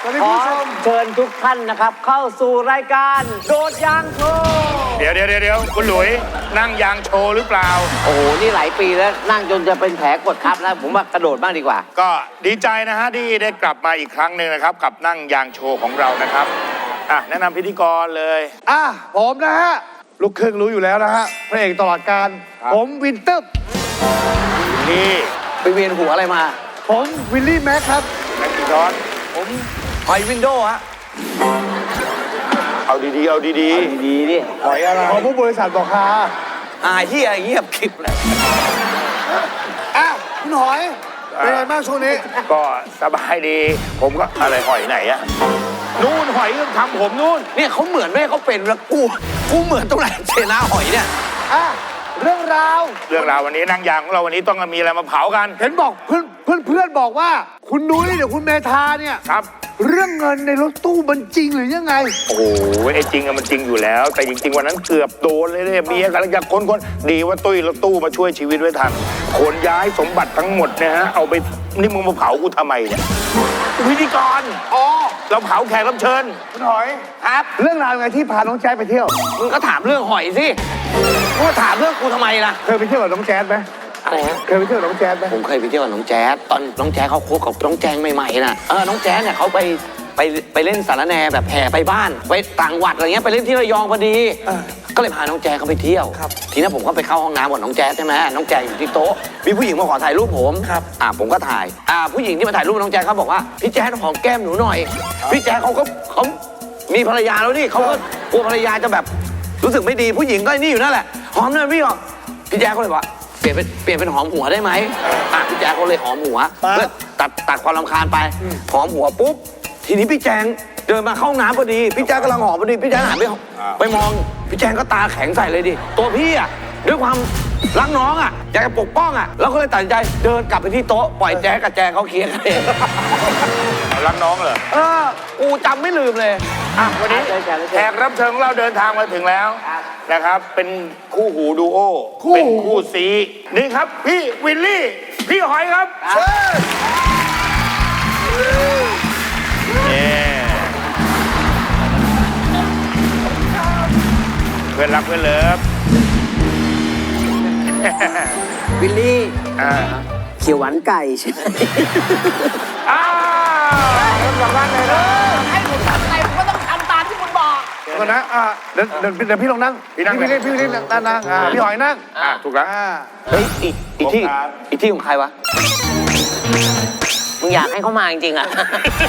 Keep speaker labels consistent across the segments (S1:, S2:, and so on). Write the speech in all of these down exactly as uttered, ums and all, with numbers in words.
S1: ขอเชิญทุกท่านนะครับเข้าสู่รายการโดดยางโชว์
S2: เดี๋ยวเดี๋ยวเดี๋ยวคุณหลุยนั่งยางโชว์หรือเปล่า
S1: โอ้โหนี่หลายปีแล้วนั่งจนจะเป็นแผลกดทับแล้วผมว่ากระโดดบ้างดีกว่า
S2: ก็ดีใจนะฮะที่ได้กลับมาอีกครั้งหนึ่งนะครับกับนั่งยางโชว์ของเรานะครับอ่ะแนะนำพิธีกรเลย
S3: อ่ะผมนะฮะลูกครึ่งรู้อยู่แล้วนะฮะพระเอกตลอดการผมวินเตอร์
S2: นี่
S1: ไปเวียนหัวอะไรมา
S3: ผมวิลลี่แม็กครับ
S2: แม็กซ์ดอน
S1: ผมหอยวินโดว์ฮะ
S2: เอาดีๆเอาดีๆ
S1: ดีๆดิ
S3: หอยอะไรของผู้บริษัทบอกค่ะ
S1: อ่าที่อะไรเงียบคลิปเลย
S3: อ้าวคุณหอยเป็นไงบ้างช่วงนี้
S2: ก็สบายดีผมก็อะไรหอยไหนอะนู่นหอยทำผมนู่น
S1: เนี่ยเขาเหมือนแม่เขาเป็นแล้วกูกูเหมือนตรงไหนเชนะหอยเนี่ย
S3: อ่ะเรื่องราว
S2: เรื่องราววันนี้นั่งยางของเราวันนี้ต้องมีอะไรมาเผากัน
S3: เห็นบอกเพื่อนเพื่อนเพื่อนบอกว่าคุณนุ้ยเดี๋ยวคุณเมธาเนี่ย
S2: ครับ
S3: เรื่องเงินในรถตู้มันจริงหรือยังไง
S2: โอ้โหไอ้จริงอะมันจริงอยู่แล้วแต่จริงๆวันนั้นเกือบโดนเลยเนี่ยเมียกำลังจะค้นคนดีว่าตุ้ยรถตู้มาช่วยชีวิตไว้ทันขนย้ายสมบัติทั้งหมดเนี่ยฮะเอาไปนี่มึงมาเผากูทำไมเนี่ยพิธีกร
S3: อ๋อ
S2: เราเผาแขกรับเชิญ
S3: คุณหอย
S1: ครับ
S3: เรื่องราวไงที่พาน้องแจ๊ดไปเที่ยว
S1: มึงก็ถามเรื่องหอยสิมึงถามเรื่องกูทำไมล่ะ
S3: เคยไปเที่ยวกับน้องแจ๊ดไหม
S1: อะไรฮะ
S3: เคยไปเที่ยวกับน้องแจ๊ดไหม
S1: ผมเคยไปเที่ยวกับน้องแจ๊ดตอนน้องแจ๊ดเขาคบกับน้องแจงใหม่ๆน่ะเออน้องแจ๊ดเนี่ยเขาไปไปไปเล่นสารแนแบบแห่ไปบ้านไปต่างวัดอะไรเงี้ยไปเล่นที่ระยองพอดีก็เลยพาน้องแจ๊ดเขาไปเที่ยวทีนั้นผมก็ไปเข้าห้องน้ำกับน้องแจ๊ดใช่ไหมน้องแจ๊ดอยู่ที่โต๊ะมีผู้หญิงมาขอถ่ายรูปผมครับอ่าผมก็ถ่ายอ่าผู้หญิงที่มาถ่ายรูปน้องแจ๊ดเขาบอกว่าพี่แจ๊ดหอมแก้มหนูหน่อยพี่แจ๊ดเขาก็เขามีภรรยาแล้วนี่เขาก็กลัวภรรยาจะแบบรู้สึกไม่ดีผู้หญิงก็นี่อยู่นั่นแหละหอมหน่อยพี่หรอพี่แจ๊ดเขาเลยบอกเปลี่ยนเป็นเปลี่ยนเป็นหอมหัวได้ไหมอ่ะพี่แจ๊ดเขาเลยหอมหัวเพื่อตัดตัดความรำคาญไปหอมหัวปุ๊บทีนี้พี่แจงเดินมาเข้าห้องน้ำพอดีพี่แจ๊กกำลังหอมพอดีพี่แจ๊กหันไปไปมองพี่แจงก็ตาแข็งใส่เลยดิตัวพี่อ่ะด้วยความรักน้องอ่ะอยากจะปกป้องอ่ะแล้วก็เลยตัดสินใจเดินกลับไปที่โต๊ะปล่อยแจ๊กกับแจงเขาเคลียร์กันเอง
S2: รักน้องเหรอ
S1: เออกูจำไม่ลืมเลย
S2: อ่ะวันนี้แขกรับเชิญของเราเดินทางมาถึงแล้วนะครับเป็นคู่หูดูโอเป็นคู่ซีนี่ครับพี่วิลลี่พี่หอยครับเชิญเพื่อนรักเพื่อนเลิฟ
S1: วิลลี่เขียวหวานไก่ใช่ไหม
S2: อ้าวเริ่มจากบ้านเลยนะ
S4: ให้ผมทำไงผมก็ต้องทำตามที่คุณบอก
S3: ก่อนนะอ่าเดี๋ยวเดี๋ยวเดี๋ยวพี่ลองนั่งพี่นั่งพี่เล่นพี่เล่นนั่งนั่งอ่าพี่หอยนั่ง
S2: อ่าถูกแล้ว
S1: เฮ้ยอีกอีกที่อีกที่ของใครวะมึงอยากให้เขามาจริงๆอ่ะ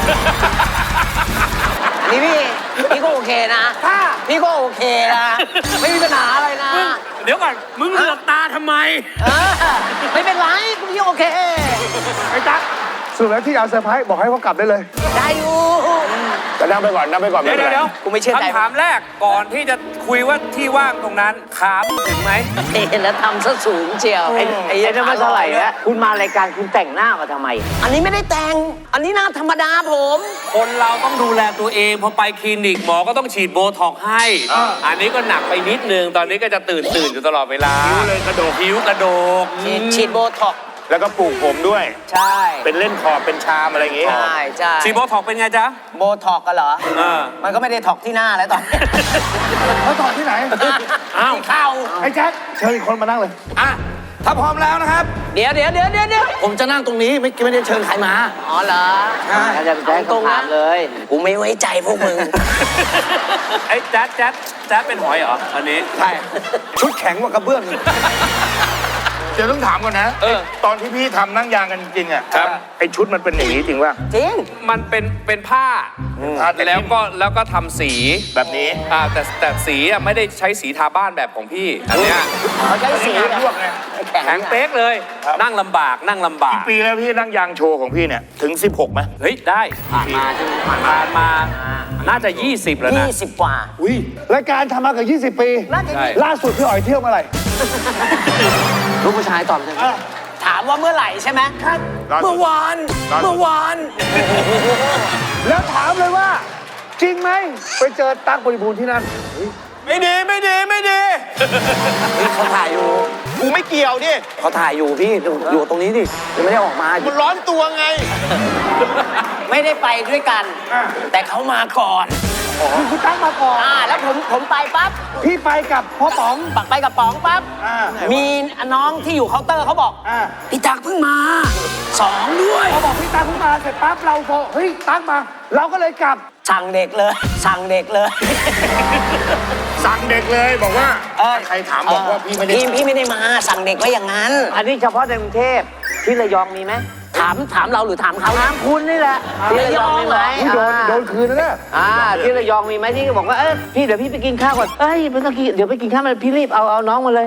S1: อันนี้พี่พี่ก็โอเคนะพี่ก็โอเคนะไม่มีปัญหาอะไรนะ
S4: เดี๋ยวก่อนมึงเหลือกตาทำไม
S1: ไม่เป็นไรพี่โอเค
S3: ไอ้ตั๊กสุดแล้วที่เอาเซอร์ไพรส์บอกให้เขากลับได้เลย
S1: ได้อยู่
S2: ก็นั่งไปก่อนนั่งไปก่อน
S4: เดี๋ยวเดี๋ยว
S1: กูไม่เชื่อใจ
S4: คำถามแรกก่อนที่จะคุยว่าที่ว่างตรงนั้นขาถึงไหม
S1: เห็นแล้วทำซะสูงเชียวไอ้ไอ้นั่นไม่เท่าไหร่แล้วคุณมารายการคุณแต่งหน้ามาทำไมอันนี้ไม่ได้แต่งอันนี้หน้าธรรมดาผม
S4: คนเราต้องดูแลตัวเองพอไปคลินิกหมอก็ต้องฉีดโบท็อกให้อันนี้ก็หนักไปนิดนึงตอนนี้ก็จะตื่นตื่นอยู่ตลอดเวลา
S2: ผิวเลยกระโดก
S4: ผิวกระโดก
S1: ฉีดโบท็อก
S2: แล้วก็ปลูกผมด้วย
S1: ใช่
S2: เป็นเล่นคอเป็นชามอะไรอย่างงี้
S1: ใช่ใช่
S4: ฉีดโบท็อกเป็นไงจ๊ะ
S1: โบท็อกกันเหรอมันก็ไม่ได้ท็อกที่หน้าแล้วตอน
S3: เขาท็อกที่ไหน
S1: อ้าวเข้า
S3: ไอ้แจ๊คเชิญอีกคนมานั่งเลย
S1: อ่ะถ้าพร้อมแล้วนะครับเดี๋ยวเดี๋ยวเดี๋ยวเดี๋ยวผมจะนั่งตรงนี้ไม่ไม่ได้เชิญใครมาอ๋อเหรอใช่จะแจ้งตรงนั้นเลยกูไม่ไว้ใจพวกมึง
S4: ไอ้แจ๊ดแจ๊ดแจ๊ดเป็นหอยเหรออันนี้
S1: ใช่ชุดแข็งกว่ากระเบื้อง
S2: เดี๋ยวต้องถามก่อนนะตอนที่พี่ทำนั่งยางกันจริงๆอ่ะไอชุดมันเป็นอย่างนี้จริงป่ะ
S1: จริง
S4: มันเป็นเป็นผ้าแล้วก็แล้วก็ทำสี
S2: แบบนี้
S4: อ่าแต่แต่สีอ่ะไม่ได้ใช้สีทาบ้านแบบของพี่อันเนี้ย
S1: เขาใช้สี
S2: ลวกไง
S4: แข็งเป๊กเลยนั่งลำบากนั่งลำบาก
S2: กี่ปีแล้วพี่นั่งยางโชว์ของพี่เนี่ยถึงสิบหกไหม
S4: เฮ้ยได้
S1: ผ่านมาใช่ไหมผ่าน
S4: ผ่านมาน่าจะยี่สิบแล้วนะ
S1: ยี่สิบกว่า
S3: อุ้ยรายการทำมาเกือบยี่สิบปีล่าสุดพี่อ๋อยเที่ยวเมื่อไหร่
S1: ลูกผู้ชายตอบเลยถามว่าเมื่อไหร่ใช่ไหมครับเมื่อวานเมื่อวาน
S3: แล้วถามเลยว่าจริงไหมไปเจอตั๊กบริบูรณ์ที่นั่น
S4: ไม่ดีไม่ดีไม่ดี
S1: เขาถ่ายอยู่
S4: กูไม่เกี่ยวดิ
S1: เขาถ่ายอยู่พี่อยู่ตรงนี้ดิยังไม่ได้ออกมา
S4: มันร้อนตัวไง
S5: ไม่ได้ไปด้วยกัน
S3: อ่ะ
S5: แต่เขามาก่อน
S3: คือคุณตั้งมาก่อน
S5: อ่าแล้วผมผมไปปั๊บ
S3: พี่ไปกับพ่อป๋อง
S5: ปักไปกับป๋องปั๊บ
S3: อ่า
S5: มีน้องที่อยู่เคาน์เตอร์เขาบอก
S3: อ่า
S5: พี่ตักเพิ่งมาสองด้วย
S3: พอบอกพี่ตั้งขึ้นมาเสร็จปั๊บเราพอเฮ้ยตั้งมา เราก็เลยกลับ
S5: สั่งเด็กเลย สั่งเด็กเลย
S2: สั่งเด็กเลยบอกว่า
S5: เออ
S2: ใครถามบอกว่าพี่ไม่ได้
S5: พี่พี่ไม่ได้มา สั่งเด็กไว้อย่างนั้น
S6: อันนี้เฉพาะในกรุงเทพที่ระยองมีไหม
S5: ถามถามเราหรือถามเขานะ
S6: คุณนี่แหละที่ระยองมีไหม
S3: นี่โดนโดนคืนแล้วเนี่ย
S6: อ่าที่ระยองมีไหมที่บอกว่าเอ้ยพี่เดี๋ยวพี่ไปกินข้าวก่อนเอ้ยไม่ต้องกินเดี๋ยวไปกินข้าวมาพี่รีบเอาเอาน้องมาเลย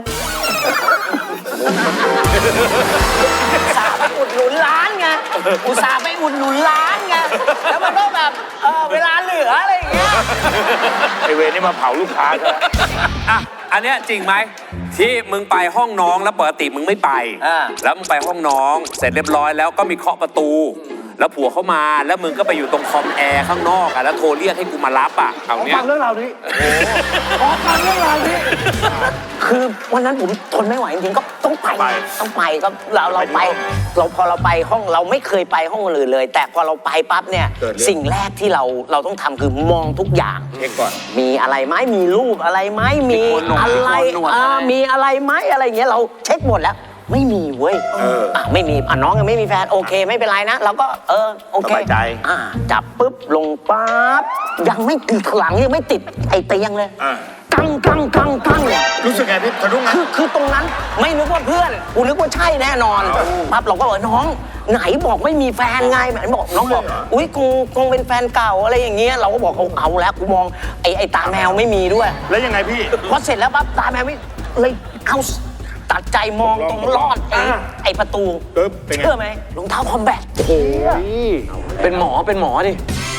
S5: อุตส่าห์ไปอุดหนุนร้านไง อุตส่าห์ไปอุดหนุนร้านไง แล้วมันก็แบบเออเวลาเหลืออะไรอย่างเงี้ย
S2: ไอเวรนี่มาเผาลูกค้าใช่ไหม
S4: อ่ะ อันเนี้ยจริงไหมที่มึงไปห้องน้องแล้วปกติมึงไม่ไป
S5: อ่า
S4: แล้วมึงไปห้องน้องเสร็จเรียบร้อยแล้วก็มีเคาะประตู แล้วผัวเข้ามาแล้วมึงก็ไปอยู่ตรงคอมแอร์ข้างนอกอ่ะแล้วโทรเรียกให้กูมารับอ่ะเอา
S3: ขอ
S4: เนี้
S3: ฟั
S4: ย
S3: งเรื่องราวนี้ขอฟังเรื่องราวนี้
S5: คือวันนั้นผมทนไม่ไหวจริงๆก็ต้องไป ต้องไปก็เราเราไป เราพอเราไปห้องเราไม่เคยไปห้องอื่นเลย แต่พอเราไปปั๊บเนี่ย สิ่งแรกที่เราเราต้องทำคือมองทุกอย่าง
S2: เช็คก่อน
S5: มีอะไรไหมมีรูปอะไรไหมมีอะไร
S1: มีโคนหนวด
S5: อ่า
S1: อะไร
S5: มีอะไรไหมอะไรอย่างเงี้ยเราเช็คหมดแล้ว ไม่มีเว้ย
S2: เอออ่
S5: ะไม่มีอ่ะน้องยังไม่มีแฟนโอเคไม่เป็นไรนะเราก็เออโอเค
S2: สบายใจ
S5: อ่าจับปุ๊บลงปั๊บยังไม่ติดหลังยังไม่ติดไอ้เตียงเลย
S2: อ่า
S5: กังกังกังกัง
S2: รู้สึกไงพี่สะดุ้งนะ
S5: คือคือตรงนั้นไม่นึกว่าเพื่อนกูนึกว่าใช่แน่นอนปั๊บเราก็บอกน้องไหนบอกไม่มีแฟนไงไหนบอกน้องบอกอุ้ยคงคงเป็นแฟนเก่าอะไรอย่างเงี้ยเราก็บอกเอาเอาแล้วกูมองไอ้ไอ้ตาแมวไม่มีด้วย
S2: แล้วยังไงพี่
S5: พอเสร็จแล้วปั๊บตาแมวไม่เลยเอาตัดใจมองตรงลอดไอ้ไอ้ประตู
S2: ปึ๊บเป็นไง
S5: เชื่อไหมรองเท้าคอมแบท
S1: เป็นหมอเป็นหมอดิ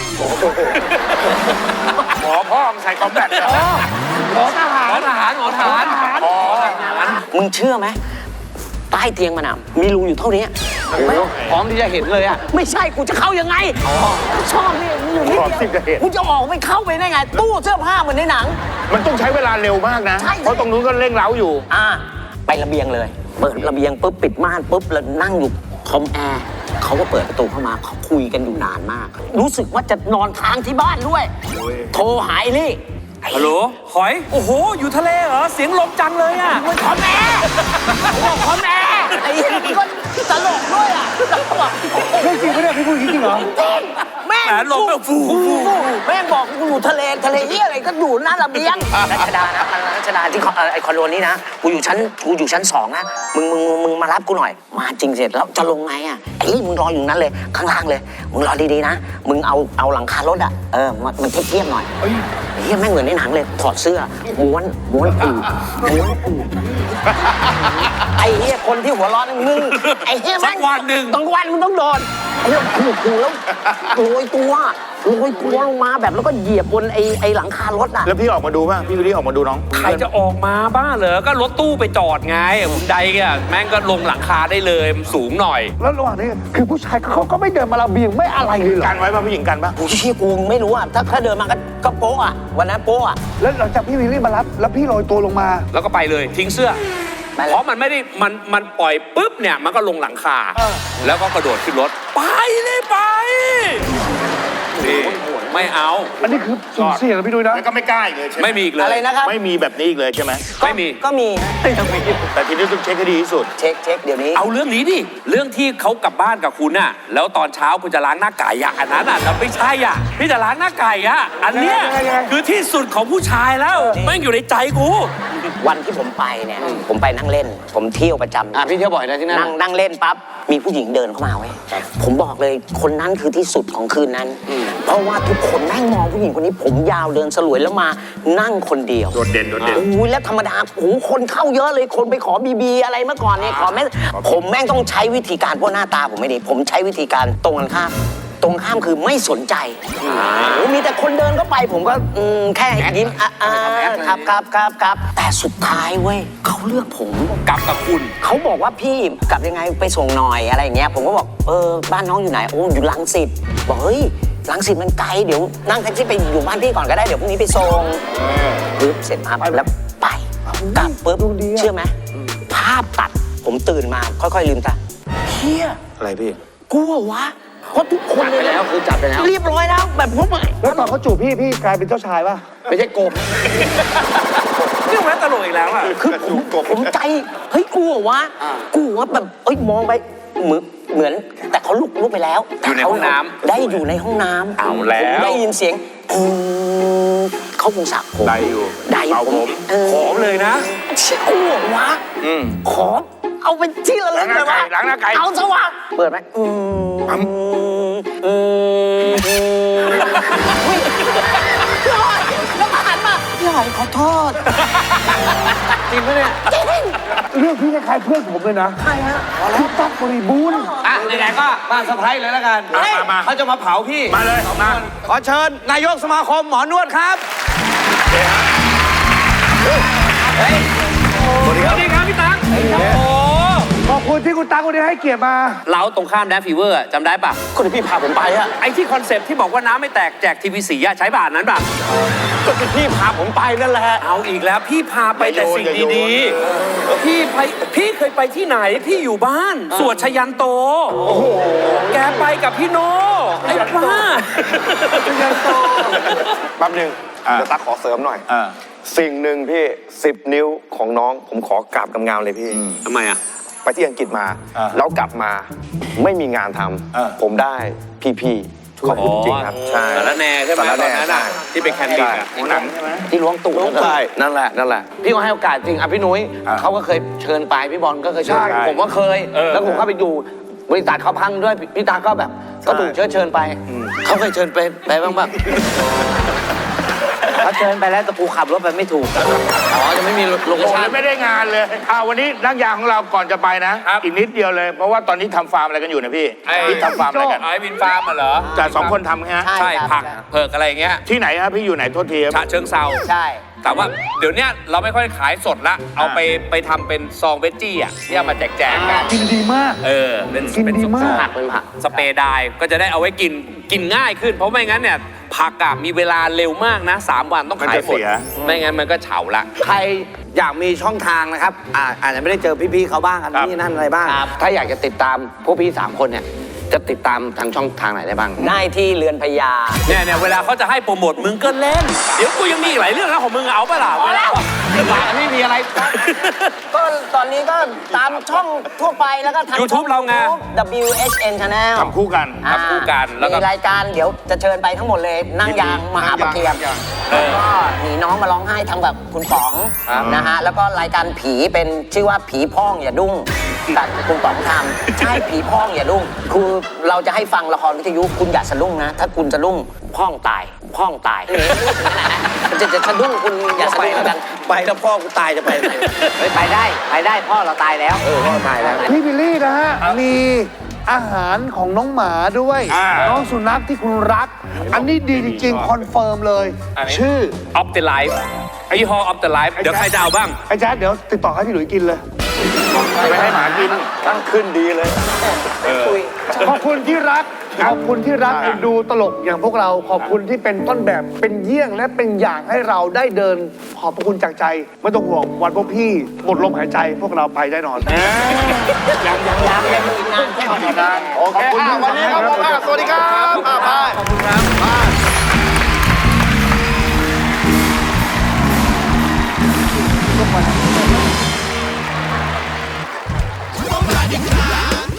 S2: หมอพ่อมึงใส่คอมแบทเหรอ
S3: ขอทหาร
S4: หมอทหารหมอทหาร
S2: อ๋อ
S5: มึงเชื่อไหมใต้เตียงมันอ่ะมีรูอยู่เท่านี้
S1: พร้อมที่จะเห็นเลยอ่ะ
S5: ไม่ใช่กูจะเข้ายังไงชอบนี่มึงอยู่นิด
S2: พร้อมที่
S5: เดี
S2: จะ
S5: ยว
S2: เห็น
S5: กูจะออกไปเข้าไปได้ไง ตู้เสื้อผ้าเหมือนในหนัง
S2: มันต้องใช้เวลาเร็วมากนะ
S5: ใช่
S2: เพราะตรงนู้นก็เร่งเร้าอยู่
S5: อ่าไประเบียงเลย เปิดระเบียงปุ๊บปิดม่านปุ๊บแล้วนั่งอยู่คอมแอร์เขาก็เปิดประตูเข้ามาเขาคุยกันอยู่นานมาก รู้สึกว่าจะนอนค้างที่บ้านด้วย โทรหาไอ้ลี่
S4: ฮัลโหลหอย โอ้โห อยู่ทะเลเหรอ เสียงลมจังเลยอ่ะ
S5: มันคอมแอร์บอกคอมแอร์ไอ้เหี้ยมันก็ตลกด้วยอ่ะแล้วก็บอก
S3: เรื่องจริงไม่ได้พี่พูดจริงเหรอ
S5: จริงแม่ง
S4: แหมลมแบบฟูฟูฟู
S5: แม่งบอกกูอยู่ทะเลทะเลเหี้ยอะไรก็อยู่หน้าระเบียงรัชดานะรัชดาที่คอนไอคอนโดนี้นะกูอยู่ชั้นกูอยู่ชั้นสองนะมึงมึงมึงมึงมารับกูหน่อย มาจริงเสร็จแล้วจะลงไงอ่ะไอ้นี่มึงรออยู่นั้นเลยข้างล่างเลย มึงรอดีๆนะมึงเอาเอาหลังคารถอ่ะเออมันมันเทียบๆหน่อยไอ้เหี้ยแม่งเหมือนในหนังเลยถอดเสื้อม้วนม้วนอู่ม้วนอู่ไอ้เหี้ยคนที่หัวร้อนนมึงไอ้เหี้ยแม่ง
S4: สักวันหนึ่ง
S5: ต้องวันมึงต้องโดนไอ้เหี้ยขู่ขู่แล้วโรยตัวโรยตัวลงมาแบบแล้วก็เหยียบบนไอ้ไอ้หลังคารถอ่ะ
S2: แล้วพี่ออกมาดูป่ะ พี่วิลลี่ออกมาดูน้อง
S4: ใครจะออกมาบ้าเหรอ ก็รถตู้ไปจอดไงคุณใดแกแม่งก็ลงหลังคาได้เลยมันสูงหน่อย
S3: แล้วระหว่างนี้คือผู้ชายเขาก็ไม่เดินมาระเบียงไม่อะไรเลยเหรอ
S2: กันไว้ป่ะผู้หญิงกันป่ะ
S5: กูเชี่ยกูไม่รู้อ่ะถ้าถ้าเดินมาก็ก็โป๊ะอ่ะวันนั้นโป๊ะอ่ะ
S3: แล้วหลังจากพี่วิลลี่มารับ แล้วพี่โรยตัวลงมา
S4: แล้วก็ไปเลยทิ้งเสื้อ
S5: ไปแล้ว
S4: เพราะมันไม่ได้มันมันปล่อยปุ๊บเนี่ยมันก็ลงหลังคา แล้วก็กระโดดขึ้นรถ ไปเลยไปนี่ไม่เอา
S3: อันนี้คือสุ่มเสี่ยงนะพี่ดุยนะ
S2: แล้วก็ไม่กล้าอีกเลยใช่ไหม
S4: ไม่มีอีกเลย
S5: อะไรนะครับ
S2: ไม่มีแบบนี้อีกเลยใช่ไหม
S4: ไม่มี
S5: ก็มี
S2: แต่ทีนี้ต้องเช็คให้ดีที่สุด
S5: เช็คเช็คเดี๋ยวนี้
S4: เอาเรื่องนี้ดิ เรื่องที่เขากลับบ้านกับคุณน่ะ แล้วตอนเช้าคุณจะล้างหน้าไก่อะอันนั้นอ่ะเราไม่ใช่อ่ะพี่จะล้างหน้าไก่อะอันเนี้ย
S3: ยังไงยังไง
S4: คือที่สุดของผู้ชายแล้วแม่งอยู่ในใจกู
S5: วันที่ผมไปเนี่ยผมไปนั่งเล่น ผมเที่ยวประจำ
S1: อ่ะพี่เที่ยวบ่อยนะที่นั่น
S5: นั่งนั่งเล่นปั๊บมีผู้หญิงเดินเข้ามาเว้ยผมบอกเลยคนนั้นคือที่สุดของคืนนั้น เพราะว่าทุกคนแม่งมองผู้หญิงคนนี้ผมยาวเดินสลวยแล้วมานั่งคนเดียว
S2: โดดเด่นโดดเด่น
S5: โอ้ยแล้วธรรมดาโอ้โหคนเข้าเยอะเลยคนไปขอบีบีอะไรเมื่อก่อนเนี่ยขอแม่ผมแม่งต้องใช้วิธีการเพราะหน้าตาผมไม่ดีผมใช้วิธีการตรงกันข้ามตรงข้ามคือไม่สนใจโอ้มีแต่คนเดินเข้าไปผมก็อืมแค่ยิ้มอ่ะอ่าครับครับครับครับแต่สุดท้ายเว้ยเขาเลือกผม
S4: กลับกับคุณ
S5: เขาบอกว่าพี่กลับยังไงไปส่งหน่อยอะไรอย่างเงี้ยผมก็บอกเออบ้านน้องอยู่ไหนโอ้อยู่รังสิตบอกเฮ้ยรังสิตมันไกลเดี๋ยวนั่งแท็กซี่ไปอยู่บ้านพี่ก่อนก็ได้เดี๋ยวพรุ่งนี้ไปส่งปึ๊บเสร็จมาแล้วไปกลับปึ๊บเชื่อไหมภาพตัดผมตื่นมาค่อยๆลืมตาเฮีย
S2: อะไรพี่
S5: กูเหรอวะเขาทุกคน
S1: จัด
S5: เล
S1: ไป
S5: ย
S1: แล้วคือจัดไปแล้ว
S5: เรียบร้อยแล้วแบบผมอะ
S3: แล้วตอนเขาจูบพี่พี่กลายเป็นเจ้าชายป่ะ
S1: ไม่ใช่กบ
S4: นี่แม่ตลกอีกแล้วอ่ะ
S5: คือผมผมใจเฮ้ยกูเหรอวะ
S1: อ่า
S5: กูว่าแบบเอ้ยมองไปเหมือนเหมือน แต่เขาลุกลุกไปแล้ว
S4: อยู่ในห้องน้ำ
S5: ได้อยู่ในห้องน้ำ
S4: เอาแล้ว
S5: ผมได้ยินเสียงอืมเขาคงสระผม
S2: ได้อยู่
S5: ได้อยู่
S2: เป่าผม
S5: เออ
S4: หอมเลยนะ
S5: เชี่ยกูเหรอวะ
S4: อืม
S5: ขอเอาเป็นที่ระลึกเลยวะ
S2: ล้างหน้าไก่
S5: เอาซะวะเปิดไหมอืมอืมอืมอืมอุ๊ยพี่หอยแล้วมาหันมาพี่หอยขอโทษ
S1: จริงปะเนี่ย
S3: เรื่องพี่คล้ายๆเพื่อนผมเลยนะ
S5: ใครฮะ
S3: พี่ตั๊กบริบูรณ์
S1: อ่ะไหนๆก็มาเซอร์ไพรส์เลยแล้วกัน
S2: อ่ะมามา
S1: เขาจะมาเผาพี่
S2: มาเลยมา
S1: ขอเชิญนายกสมาคมหมอนวดครับ
S4: สวัสดีครับพี่ตั๊กโอ้โห
S3: ขอบคุณที่คุณตั๊กวันนี้ให้เกียรติมา
S4: เราตรงข้ามแดฟฟีเวอร์จำได้ปะ
S1: คนที่พี่พาผมไปอะ
S4: ไอ้ที่คอนเซปต์ที่บอกว่าน้ำไม่แตกแจกทีวีสีอะใช้บาทนั้นปะ
S1: ก็ที่พี่พาผมไปนั่นแหละ
S4: เอาอีกแล้วพี่พาไปแต่สิ่งดีๆพี่ไปพี่เคยไปที่ไหนพี่อยู่บ้าน สวดชยันโต โอ้โห แกไปกับพี่โนไอ้บ้า
S7: แป๊บหนึง
S2: อ่า
S7: เดี๋ยวตั๊กขอเสริมหน่อย
S2: อ่า
S7: สิ่งหนึ่งพี่สิบนิ้วของน้องผมขอกราบกำงามเลยพี่
S4: ทำไมอะ
S7: ไปที่อังกฤษมา
S2: อ่า
S7: แล้วกลับมาไม่มีงานท
S2: อ่า
S7: ำผมได้พี่ๆขอบคุณจริงๆครับ ใช่
S4: สารแหน่ใช่ไหม
S7: สาร
S4: ต
S7: แห
S4: อ
S7: น่
S4: นนั้นอะ
S7: ใช่
S4: ที่เป็นแคนดี้อะ
S2: หัวหนังใช่ไหม
S1: ที่ล้วงตูดนั่น
S7: ใช่นั่นแหละนั่นแหละ
S1: พี่ก็ให้โอกาสจริงอ่ะพี่นุ้ย
S2: อ่ะ
S1: เขาก็เคยเชิญไปพี่บอลก็เคยเชิญ
S2: ใช่
S1: ผมก็เคย แล้วผมก็ไปอยู่บริษัทเขาพังด้วยพี่พี่ตาก็แบบก็ถูกเชิญเชิญไปเขาเคยเชิญไปไปบ้างปะ
S6: เขาเชิญไปแล้วแต่กูขับรถไปไม่ถูก
S1: อ๋อจะไม่มีโลเค
S2: โอ้โห
S1: ชั่น
S2: ไม่ได้งานเลยอ่าวันนี้นักยางของเราก่อนจะไปนะ อีกนิดเดียวเลย เพราะว่าตอนนี้ทำฟาร์มอะไรกันอยู่นะพี่
S4: ไอ้
S2: พี่ทำฟาร์มอะไรกัน
S4: ไอ้วินฟาร์มอะเหรอ
S2: แต่สองคนทำฮะ
S5: ใช่
S4: ใช่
S5: ครับ
S4: ผักเผือกอะไรอย่างเงี้ย
S2: ที่ไหนฮะพี่อยู่ไหนโทษทีครับ
S4: ฉะเชิงเซา
S5: ใช่
S4: แต่ว่าเดี๋ยวเนี้ยเราไม่ค่อยขายสดละ เอาไปไปทำเป็นซองเวจจี้อ่ะที่เอามาแจกแจกกัน
S3: กินดีมาก
S4: เออ เป็น
S3: กิน
S4: เป็น
S3: ดีมาก
S1: ผักเป็นผัก
S4: สเปรย์ไดร์ก็จะได้เอาไว้กินกินง่ายขึ้น เพราะไม่งั้นเนี่ยผักอะมีเวลาเร็วมากนะสามวันต้องขายหมด ไม่งั้นมันก็เฉาละ
S1: ใครอยากมีช่องทางนะครับอ่าอาจจะไม่ได้เจอพี่ๆเขาบ้างอันนี้นั่นอะไรบ้าง ถ้าอยากจะติดตามพวกพี่สามคนเนี่ยจะติดตามทางช่องทางไหนได้บ้าง
S5: ได้ที่เรือนพญา
S4: เนี่ยเนี่ยเวลาเขาจะให้โปรโมทมึงก็เล่น เดี๋ยวกูยังมีอีกหลายเรื่องนะของมึงเอาปะล่ะ
S5: พอแล้ว
S1: ไม่มีอะไร
S5: ก็ตอนนี้ก็ตามช่องทั่วไปแล้วก็ทาง
S4: YouTube เราไง
S5: ดับเบิลยู เอช เอ็น Channel
S2: ทำคู่กัน
S5: อ่า
S4: ทำคู่กันแล้วก็
S5: มีรายการเดี๋ยวจะเชิญไปทั้งหมดเลย นั่งยางมหาปะเกียม
S4: เออ
S5: แล้วก็หนีน้องมาร้องไห้ทำแบบคุณป๋องนะฮะแล้วก็รายการผีเป็นชื่อว่าผีพ้องอย่าดุ้งกับคุณป๋องทำใช่ผีพ้องอย่าดุ้งคือเราจะให้ฟังละครวิทยุคุณอย่าสะดุ้งนะ ถ้าคุณสะดุ้งพ้องตายพ้องตายจะจะสะดุ้งคุณอย่าสะดุ้งกัน
S1: ไปแล้วพ่อกูตายจะไปไหน
S6: ไปไปได้ไปได้พ่อเราตายแล้ว
S1: เออพ่อตายแล้ว
S3: พี่บิลลี่นะฮะ มีอาหารของน้องหมาด้วย
S2: อ่า
S3: น้องสุนัขที่คุณรัก อันนี้ดีจริงๆ คอนเฟิร์มเลย
S4: อันนี้
S3: ชื่อ
S4: ออฟเดอะไลฟ์ยี่ห้อออฟเดอะไลฟ์เดี๋ยวใครจะเอาบ้าง
S3: ไอ้แจ๊ดเดี๋ยวติดต่อให้พี่หลุยกินเลย
S2: ไปให้หมากิน
S7: ตั้งขึ้นดีเลย
S3: ขอบคุณที่รัก ขอบคุณที่รักเอ็นดูตลกอย่างพวกเรา ขอบคุณที่เป็นต้นแบบเป็นเยี่ยงและเป็นอย่างให้เราได้เดิน ขอบพระคุณจากใจ ไม่ต้องห่วงวันพวกพี่หมดลมหายใจ พวกเราไปแน่นอน
S5: ยังยังยังยังมีอีกนานแค่ไหน
S7: โอเคอ่ะวันนี้ครับผมอ่ะสวัสดีครับอ่ะบาย
S4: ขอบคุณครับ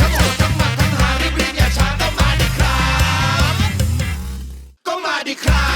S8: ก็มาดิครับ